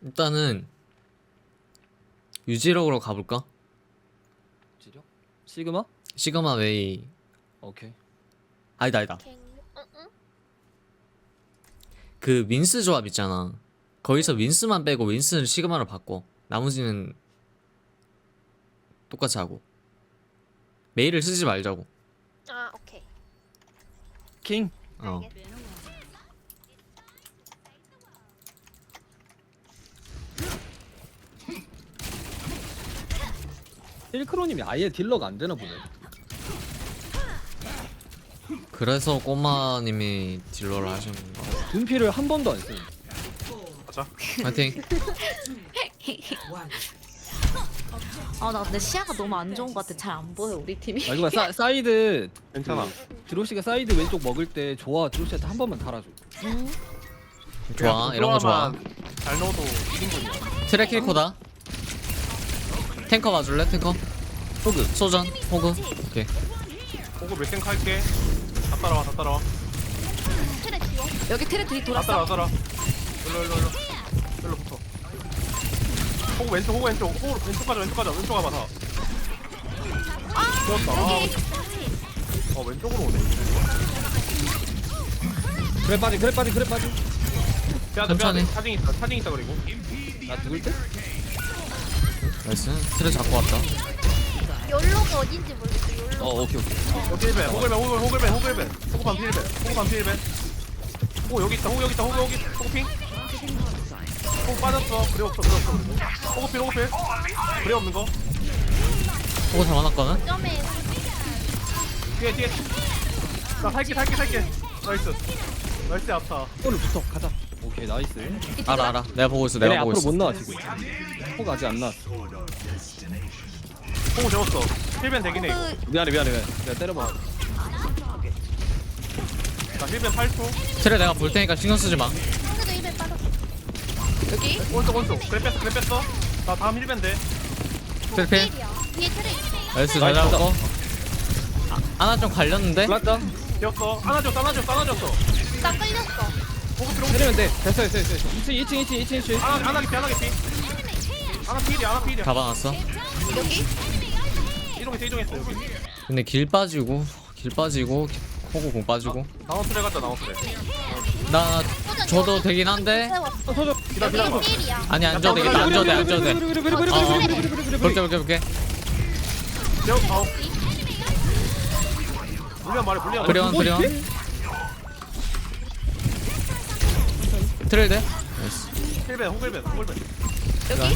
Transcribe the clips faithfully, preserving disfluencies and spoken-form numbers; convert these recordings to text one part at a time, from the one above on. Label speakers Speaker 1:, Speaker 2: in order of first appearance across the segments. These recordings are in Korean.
Speaker 1: 일단은 유지력으로 가볼까?
Speaker 2: 지력? 시그마?
Speaker 1: 시그마 웨이.
Speaker 2: 오케이.
Speaker 1: 아니다 아니다.
Speaker 3: 갱. 응, 응.
Speaker 1: 그 윈스 조합 있잖아. 거기서 윈스만 빼고 윈스는 시그마로 바꿔. 나머지는 똑같이 하고. 메일을 쓰지 말자고.
Speaker 3: 아, 오케이.
Speaker 2: 킹.
Speaker 1: 어.
Speaker 3: 알겠어.
Speaker 2: 힐크로님이 아예 딜러가 안 되나 보네.
Speaker 1: 그래서 꼬마님이 딜러를 하시는 거.
Speaker 2: 둔피를 한 번도 안 쓰는.
Speaker 4: 가자.
Speaker 1: 파이팅.
Speaker 5: 아 나 근데 시야가 너무 안 좋은 것 같아. 잘 안 보여 우리 팀이.
Speaker 2: 아 이거 사, 사이드
Speaker 4: 괜찮아.
Speaker 2: 드로시가 사이드 왼쪽 먹을 때 좋아. 드로시한테 한 번만 달아줘.
Speaker 1: 좋아, 이런 거 좋아.
Speaker 4: 잘 넣어도 이긴 분이야.
Speaker 1: 트랙 힐코다. 탱커 봐줄래? 탱커. 호그. 소전. 호그. 오케이.
Speaker 4: 보고 몇 탱크 할게. 다 따라와, 다 따라와.
Speaker 3: 트레 지워.
Speaker 5: 여기 트레 뒤
Speaker 4: 다
Speaker 5: 돌았어.
Speaker 4: 따라와, 따라와. 일로, 일로, 일로. 일로 붙어. 호구 왼쪽, 호구 왼쪽. 호구 왼쪽 가자, 왼쪽 가자. 왼쪽 가봐, 다. 좋았다. 아, 어, 왼쪽으로 오네.
Speaker 2: 그래 빠지 그래 빠지 그래 빠지.
Speaker 4: 빼야돼,
Speaker 1: 천천히.
Speaker 4: 빼야돼. 차징 있다, 차징 있다, 그리고.
Speaker 2: 나 죽을 때?
Speaker 1: 나이스. 트랙 잡고 왔다.
Speaker 3: 열로가 어딘지 모르겠어. 열로.
Speaker 2: 어 오케이 오케이.
Speaker 4: 여기 힐벤, 호글벤, 호글, 호글벤, 호글벤. 호구 반피 힐벤, 호구 반피 힐벤. 호구 여기 있다, 호구 여기 있다, 호구 여기. 호구 핑. 호구 빠졌어. 그래 없어, 그래 없어. 호구 필, 호구 필. 그래 없는 거.
Speaker 1: 호그 잡아놨거든?
Speaker 3: 점에
Speaker 4: 뒤에, 뒤에. 나 살게, 살게, 살게. 나이스. 나이스, 아파.
Speaker 2: 오늘 붙어 가자. 오케이 나이스.
Speaker 1: 알아 알아. 내가 보고 있어.
Speaker 2: 얘네
Speaker 1: 내가 보고
Speaker 2: 앞으로
Speaker 1: 있어.
Speaker 2: 못 나와 지금. 호가 아직 안 나왔어.
Speaker 4: 호구 재웠어. 힐벤 되긴 해. 이거.
Speaker 2: 미안해 미안해 미안해. 내가 때려봐.
Speaker 4: 나 힐벤 팔 초.
Speaker 1: 트랙 내가 볼 테니까 신경 쓰지 마.
Speaker 3: 상대도 입에 빠졌어.
Speaker 5: 여기
Speaker 4: 오른쪽, 오른쪽. 그래 뺐어, 그래 뺐어. 나 다음 힐벤 돼.
Speaker 1: 트랙 필.
Speaker 3: 필이야. 뒤에 트레 있어.
Speaker 1: 나이스. 잘
Speaker 2: 나이스.
Speaker 1: 잡았고. 아, 하나 좀 갈렸는데?
Speaker 2: 플랐다.
Speaker 4: 되었어. 안아줘, 안아줘, 안아줬어.
Speaker 3: 나 끌렸어.
Speaker 4: 호구 필, 호구 필.
Speaker 2: 때리면 돼. 됐어 됐어 됐어. 이 층 이 층 이 층 이 층 이 층.
Speaker 4: 안아, 안아기 피, 안아기 피. 안아 필이야, 안아 필이야.
Speaker 1: 잡아놨어.
Speaker 5: 여기
Speaker 4: 이동했어, 이동했어, 여기.
Speaker 1: 근데 길 빠지고 길 빠지고 호구 공 빠지고.
Speaker 4: 나우스레 갔다, 나우스레.
Speaker 1: 나 줘도 되긴 한데.
Speaker 3: 세웠어.
Speaker 2: 서줘.
Speaker 4: 기다, 기다.
Speaker 3: 여기 필이야.
Speaker 1: 아니 안 줘도 되겠다. 안 줘도 돼. 안 줘도 돼.
Speaker 2: 그래 그래 그래
Speaker 1: 어,
Speaker 2: 그래
Speaker 1: 어.
Speaker 2: 그래 그래 그래 그래.
Speaker 1: 볼게 볼게 볼게.
Speaker 4: 재워, 아우. 물리안 말해, 물리안.
Speaker 1: 그래원 그래원. 트레이드. 나이스.
Speaker 4: 힐벤, 호글벤, 호글벤.
Speaker 5: 여기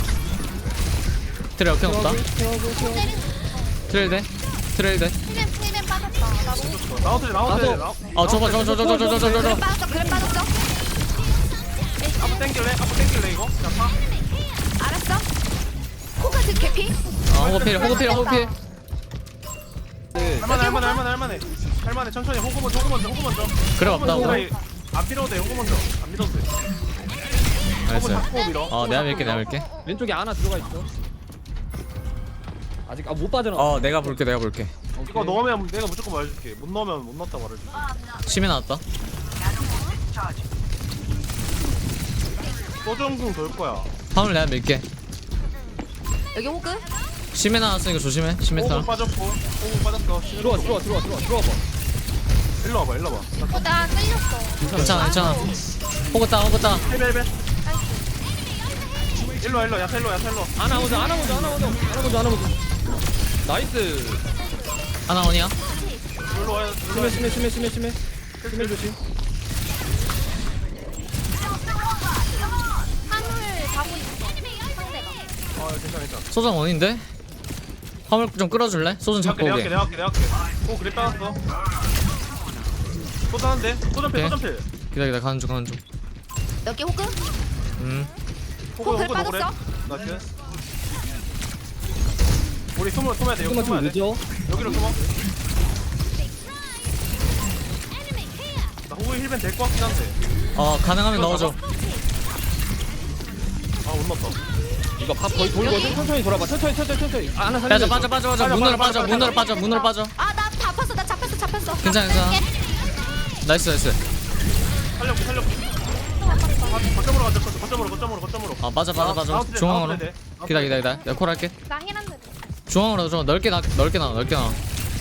Speaker 1: 트레이 역행 없다. 트레이드. 트레이드.
Speaker 3: 필벤 필벤 빠졌다. 나 너무
Speaker 4: 나우스레, 나우스레.
Speaker 2: 나도.
Speaker 1: 어 저거 저거 저거 저거 저거 저거
Speaker 5: 그래
Speaker 1: 저거.
Speaker 5: 빠졌어 그래 빠졌어.
Speaker 4: 앞으로 땡길래? 앞으로 땡길래, 이거? 야, 파.
Speaker 5: 알았어. 코카즈 개피.
Speaker 1: 어 호구 필 호구 필 호구 필.
Speaker 4: 할만해, 할만해, 할만해, 할만해. 할만해, 천천히. 호구 먼저, 호구 먼저, 호구 먼저.
Speaker 1: 그래 없다고.
Speaker 4: 호구 안 밀어도 돼, 호구 먼저. 안 밀어도 돼. 호구
Speaker 1: 나이스.
Speaker 4: 잡고 밀어.
Speaker 1: 어 내가 밀게 내가 밀게.
Speaker 2: 왼쪽에 하나 들어가 있어. 아직 아 못 빠져나.
Speaker 1: 어 내가 볼게 내가 볼게.
Speaker 4: 이거 넣으면 내가 무조건 말해줄게. 못 넣으면 못 넣었다 말해줄게.
Speaker 1: 심해 나왔다.
Speaker 4: 소정궁 돌 거야.
Speaker 1: 화물 내가 밀게.
Speaker 5: 여기 호그.
Speaker 1: 심해 나왔으니까 조심해. 심해
Speaker 4: 호구
Speaker 1: 타라.
Speaker 4: 빠졌고, 호구 빠졌어.
Speaker 2: 들어와 들어와 들어와 들어와 들어와 봐.
Speaker 4: 일로 와봐, 일로 와봐.
Speaker 3: 어, 나 끌렸어.
Speaker 1: 괜찮아 괜찮아. 호구 따 호구 따.
Speaker 4: 헬베, 헬베. 일로 와, 일로 와. 야타 일로 와, 야타 일로 와.
Speaker 2: 하나 먼저 하나 먼저 하나 먼저 하나 먼저 하나 먼저. 나이스.
Speaker 1: 하나 원이야.
Speaker 4: 일로 와, 일로 와.
Speaker 2: 심해 심해 심해 심해 심해. 심해 조심.
Speaker 3: 화물 가고 있어. 상대가.
Speaker 4: 아, 괜찮아, 괜찮아.
Speaker 1: 소전 원인데. 화물 좀 끌어줄래? 소전
Speaker 4: 내가
Speaker 1: 잡고
Speaker 4: 할게, 내가
Speaker 1: 오게.
Speaker 4: 할게, 내가 할게, 내가 할게. 오, 그래 빠졌어. 소단한데? 소전필,
Speaker 1: 오케이.
Speaker 4: 소전필.
Speaker 1: 기다려 기다려 가는 중 가는 중.
Speaker 5: 여기 호그.
Speaker 1: 음.
Speaker 4: 호구,
Speaker 5: 호그
Speaker 4: 호구, 호구래.
Speaker 5: 빠졌어?
Speaker 4: 나이스. 우리 숨어, 숨어야 돼, 여기
Speaker 2: 조금만
Speaker 4: 숨어야
Speaker 2: 좀
Speaker 4: 돼.
Speaker 2: 늦어.
Speaker 4: 여기로 숨어. 나 호구 힐벤 될 것 같긴 한데.
Speaker 1: 어 가능하면 넣어줘.
Speaker 4: 아, 못 넣었다.
Speaker 2: 이거 밥 거의 돌거든. 천천히 돌아봐. 천천히 천천히 천천히. 아, 하나 살려.
Speaker 1: 빠져 빠져 빠져 빠져. 문으로 빠져 문으로 빠져 문으로 빠져.
Speaker 5: 아 나 잡혔어 나 잡혔어 잡혔어.
Speaker 1: 괜찮아 괜찮아. 나이스 나이스.
Speaker 4: 살려볼게, 살려볼게. 거점으로 가자. 거점으로 거점으로 거점으로.
Speaker 1: 아 맞아 맞아 맞아
Speaker 4: 나우트레,
Speaker 1: 중앙으로
Speaker 4: 나우트레 돼.
Speaker 1: 기다 기다 기다 내가 콜 할게
Speaker 3: 나 힐한데.
Speaker 1: 중앙으로 좀 넓게 나 넓게 나 넓게 나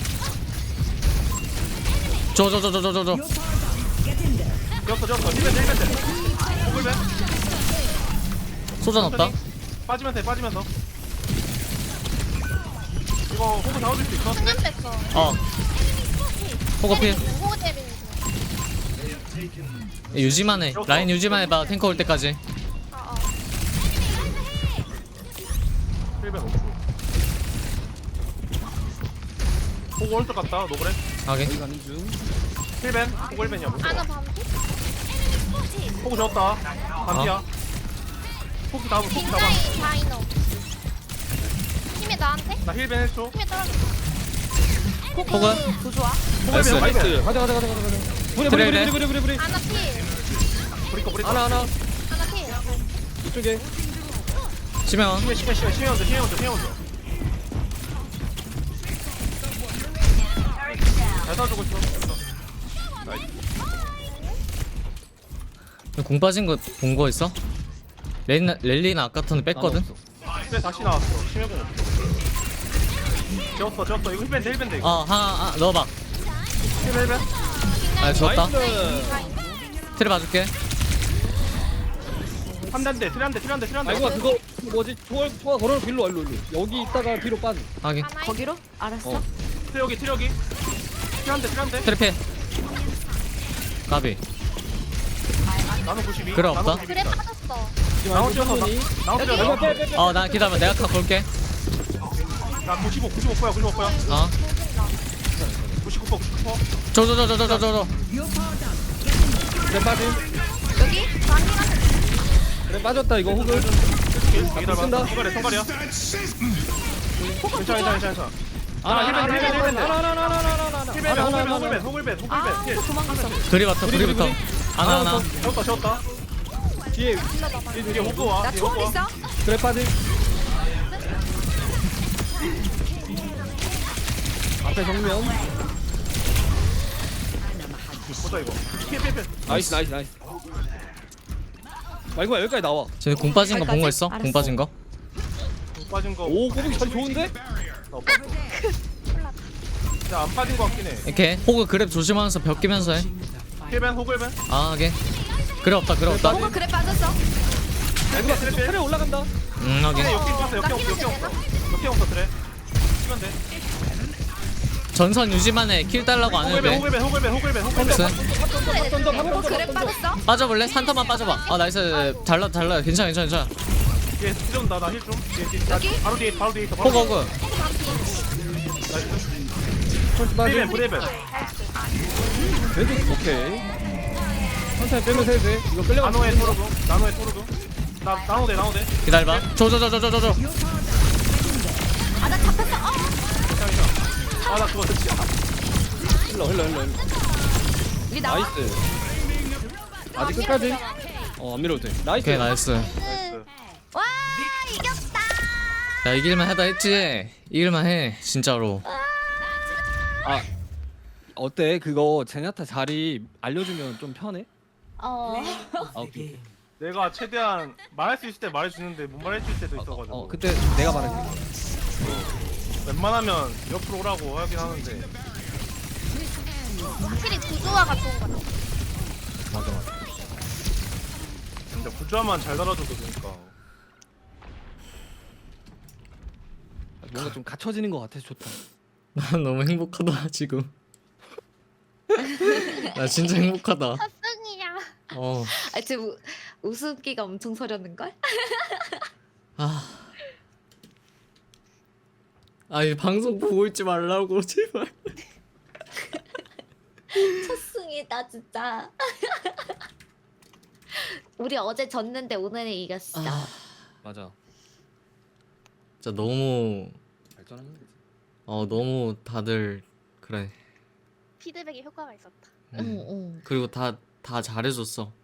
Speaker 1: 저 저 저 저 저 저저
Speaker 4: 지었어 지었어. 힐벤 힐벤 돼. 호글벤.
Speaker 1: 소전 없다
Speaker 4: 빠지면 돼 빠지면서. 이거 호구 잡아줄 수 있어?
Speaker 3: 수면 뺐어.
Speaker 1: 어 호거 필
Speaker 3: 호그 때리는 중.
Speaker 1: 유지만 해 라인 유지만 해봐 탱커 올 때까지
Speaker 3: 어, 어.
Speaker 4: 힐벤 오프. 호구 올것 같다. 노그래.
Speaker 1: 하게
Speaker 2: 여기 가는 중.
Speaker 4: 힐벤. 호구 힐벤이야. 뭐.
Speaker 3: 아나 반피?
Speaker 4: 호구 잡았다. 반피야. 호구 잡아. 호구 잡아.
Speaker 3: 굉장히 다이너. 힘이 나한테?
Speaker 4: 나 힐벤 해줘.
Speaker 3: 힘이 떨어졌어.
Speaker 1: 호그
Speaker 3: 부조아.
Speaker 1: 나이스
Speaker 4: 호글벤
Speaker 2: 나이스.
Speaker 4: 호글벤.
Speaker 2: 가자 가자 가자 가자 가자. 부리
Speaker 1: 그래,
Speaker 2: 부리
Speaker 1: 그래.
Speaker 2: 부리 부리 부리 부리.
Speaker 3: 아나 필.
Speaker 4: 브리커 브리커.
Speaker 2: 하나 하나.
Speaker 3: 아나 필.
Speaker 2: 이쪽에.
Speaker 1: 치면
Speaker 4: 심해 심해 심해 심해 먼저 심해 먼저 심해 먼저. 잘 쏴주고 있어. 나이스.
Speaker 1: 공 빠진 거 본 거 있어? 렐리나, 렐리나 아까 턴에 뺐거든?
Speaker 4: 그래 다시 나왔어. 심해공 없어. 지웠어 지웠어. 이거 힐벤 돼 힐벤 돼 이거.
Speaker 1: 어 하나 아, 넣어봐
Speaker 4: 힐벤 힐벤.
Speaker 1: 아 좋았다
Speaker 2: 나이스.
Speaker 1: 틀에 봐줄게
Speaker 4: 한 대인데 트레 한대 트레 한대 트레 한대.
Speaker 2: 아이고 그거 뭐지? 초월 초월 걸어놓고 일로 와 일로 일로. 여기 있다가 뒤로 빠져.
Speaker 1: 하게
Speaker 3: 하나
Speaker 5: 거기로? 알았어.
Speaker 2: 어.
Speaker 4: 트레 여기 트레 여기. 트레 한대 트레 한대.
Speaker 1: 틀에 필 가비
Speaker 4: 나는 구십이.
Speaker 1: 그래, 없다.
Speaker 4: 나는
Speaker 3: 그래
Speaker 4: 구십이.
Speaker 3: 빠졌어.
Speaker 4: 나온 뛰어서 나 나온
Speaker 2: 여기
Speaker 4: 뛰어서.
Speaker 2: 빼 빼 빼.
Speaker 1: 어 나 기다려봐 내가 카 볼게
Speaker 4: 나 구십오 구십오 퍼야 구십오 퍼야.
Speaker 1: 어
Speaker 3: 조진다.
Speaker 4: 구십구 퍼 구십구 퍼.
Speaker 1: 저 저 저 저 저 저저
Speaker 2: 그래 빠짐.
Speaker 3: 여기? 나 힐한데.
Speaker 2: 그래 빠졌다 이거 호글.
Speaker 4: 기다려봐.
Speaker 2: 쓴다.
Speaker 4: 손가래 손가래야. 괜찮아 괜찮아 괜찮아.
Speaker 2: 하나
Speaker 4: 힐벤,
Speaker 2: 하나
Speaker 4: 힐벤, 힐벤.
Speaker 2: 하나 하나 하나 하나 하나 하나.
Speaker 4: 힐벤 호글벤 호글벤 호글벤
Speaker 5: 아,
Speaker 4: 호글벤.
Speaker 5: 또 도망갔어.
Speaker 1: 그리부터
Speaker 2: 우리,
Speaker 1: 그리부터
Speaker 2: 우리,
Speaker 1: 하나 하나
Speaker 4: 지웠다 지웠다.
Speaker 2: 뒤에
Speaker 4: 뒤에 호그 와.
Speaker 5: 나
Speaker 4: 뒤에
Speaker 5: 초월
Speaker 4: 호그 와.
Speaker 5: 있어?
Speaker 2: 그래 빠짐. 앞에 정면.
Speaker 4: 보자 이거. 피해 피해 피해.
Speaker 2: 나이스 나이스 나이스. 말고 여기까지 나와.
Speaker 1: 쟤네 공 빠진 거 본 거 있어?
Speaker 5: 알았어.
Speaker 1: 공 빠진 거?
Speaker 4: 빠진 거.
Speaker 2: 오 꼬북이 잘 좋은데?
Speaker 4: 나 없어. 안 빠진 거 같긴 해.
Speaker 1: 이렇게 호그 그랩 조심하면서 벽 끼면서 해
Speaker 4: 힐벤 호글벤.
Speaker 1: 아 하게 그래 없다 그래 없다
Speaker 5: 호그 그래 빠졌어.
Speaker 4: 트레 트레
Speaker 2: 트레 올라간다.
Speaker 1: 음
Speaker 4: 트레
Speaker 1: 하게
Speaker 4: 역행 봤어 역행 없어 역행 없어. 역행 없어 트레. 치면 돼.
Speaker 1: 전선 유지만 해킬 달라고 안 해도
Speaker 4: 호글벤
Speaker 1: 돼
Speaker 4: 호글벤 호글벤 호글벤 호글벤.
Speaker 1: 나이스
Speaker 2: 던져
Speaker 5: 호그
Speaker 2: 방금
Speaker 5: 그래
Speaker 2: 던져.
Speaker 5: 빠졌어?
Speaker 1: 빠져볼래? 산타만 빠져봐 아 나이스 잘라 잘라 괜찮아 괜찮아 괜찮아
Speaker 4: 뒤에 찔른다 나 힐 좀. 뒤에 뒤에.
Speaker 5: 여기?
Speaker 4: 바로 뒤에 바로 뒤에 있어. 바로
Speaker 1: 호그
Speaker 4: 뒤에.
Speaker 1: 호그
Speaker 4: 나이스.
Speaker 2: 천천히
Speaker 4: 브레벤
Speaker 2: 빠짐.
Speaker 4: 브레벤.
Speaker 2: 왼쪽 오케이. 천천히 빼면서 해도 돼. 이거 끌려가.
Speaker 4: 나노의 토르도. 나노의 토르도. 나 나노대 나노대.
Speaker 1: 기다려봐 저 저 저 저 저 저저
Speaker 5: 아, 나 잡혔어. 어.
Speaker 4: 괜찮아 괜찮아. 아나 그거 진짜.
Speaker 2: 흘러 흘러 흘러. 흘러.
Speaker 5: 우리 나와.
Speaker 2: 나이스. 아직 끝까지. 어 안 밀어도 돼. 나이스.
Speaker 1: 오케이 나이스
Speaker 4: 나이스.
Speaker 3: 와 이겼다.
Speaker 1: 야 이길만 하다 했지 이길만 해 진짜로
Speaker 2: 아 어때? 그거 제냐타 자리 알려주면 좀 편해?
Speaker 5: 어.
Speaker 2: 아 오케이.
Speaker 4: 내가 최대한 말할 수 있을 때 말해주는데 못 말해줄 때도 있어가지고.
Speaker 2: 어 그때 내가 말할게.
Speaker 4: 웬만하면 옆으로 오라고 하긴 하는데.
Speaker 3: 확실히 구조화가 좋은 것 같아.
Speaker 2: 맞아 맞아.
Speaker 4: 근데 구조화만 잘 달아줘도 되니까.
Speaker 2: 뭔가 좀 갖춰지는 것 같아서 좋다.
Speaker 1: 난 너무 행복하다 지금 나 진짜 행복하다
Speaker 3: 첫승이야.
Speaker 1: 어
Speaker 5: 아, 지금 우- 웃음기가 엄청 서렸는 걸?
Speaker 1: 아. 아니 방송 보고 있지 말라고 제발
Speaker 5: 첫승이다 진짜. 우리 어제 졌는데 오늘은 이겼어.
Speaker 1: 아
Speaker 2: 맞아.
Speaker 1: 진짜 너무
Speaker 2: 발전하는 거지.
Speaker 1: 어 너무 다들 그래
Speaker 3: 피드백에 효과가 있었다.
Speaker 5: 응, 응.
Speaker 1: 그리고 다 다 잘해줬어